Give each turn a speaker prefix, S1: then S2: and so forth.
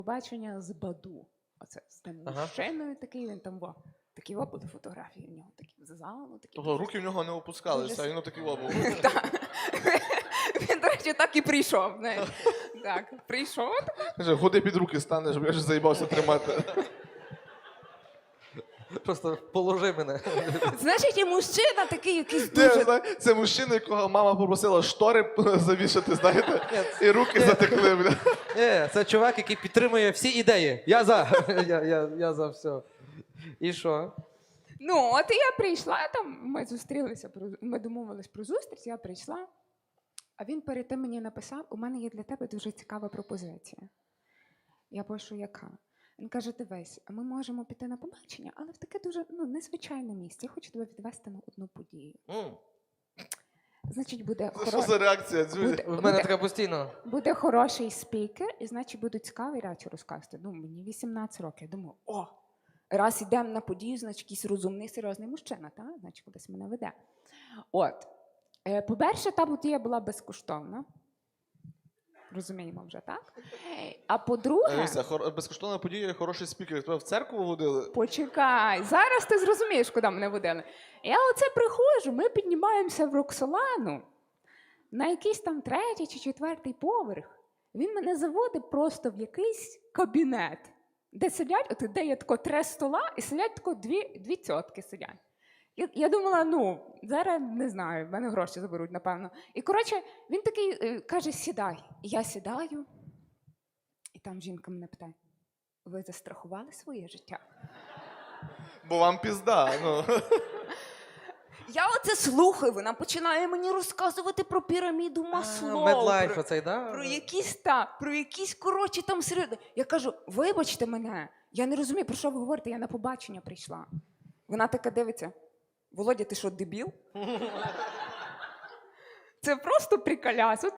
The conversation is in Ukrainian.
S1: Побачення з Баду. Оце з тим мужчиною такий, він там такі були фотографії в нього, такі з залу. Такі
S2: Тобто руки в нього не опускалися, а він отакий був.
S1: Він, до речі, так і прийшов. Так, прийшов.
S2: Каже, ходи під руки стане, щоб я ж заїбався тримати.
S3: Просто положи мене.
S1: Значить, і мужчина такий якийсь дуже...
S2: Це мужчина, якого мама попросила штори завішати, знаєте, і руки затекли. Бля.
S3: Це чувак, який підтримує всі ідеї. Я за. Я за все. І що?
S1: Ну, от і я прийшла, там ми зустрілися, ми домовились про зустріч, я прийшла, а він перед тим мені написав, у мене є для тебе дуже цікава пропозиція. Я пишу, яка? Він каже, дивись, ми можемо піти на побачення, але в таке дуже незвичайне місце. Я хочу тебе відвести на одну подію. Значить, буде
S2: Що за реакція, Дзюня?
S3: В мене така постійно.
S1: буде хороший спікер, і значить будуть цікаві речі розказувати. Ну, мені 18 років. Я думаю, раз йдемо на подію, значить якийсь розумний, серйозний мужчина, так? Значить, кудись мене веде. От. По-перше, та подія була безкоштовна. Розуміємо вже, так? А по-друге...
S2: Безкоштовна подія і хороший спікер. Тебе в церкву водили?
S1: Почекай, зараз ти зрозумієш, куди мене водили. Я оце приходжу, ми піднімаємося в Роксолану на якийсь там 3-й чи 4-й поверх. Він мене заводить просто в якийсь кабінет, де сидять, де є тако 3 стола, і сидять тако дві тьотки сидять. Я думала, зараз, не знаю, в мене гроші заберуть, напевно. І, коротше, він такий каже, сідай. І я сідаю, і там жінка мене питає, ви застрахували своє життя?
S2: Бо вам пізда.
S1: Я оце слухаю, вона починає мені розказувати про піраміду Маслоу.
S3: Медлайф оцей, да?
S1: Про якісь, коротше, там серйозно. Я кажу, вибачте мене, я не розумію, про що ви говорите, я на побачення прийшла. Вона така дивиться, Володя, ти що, дебіл? Це просто приколяс.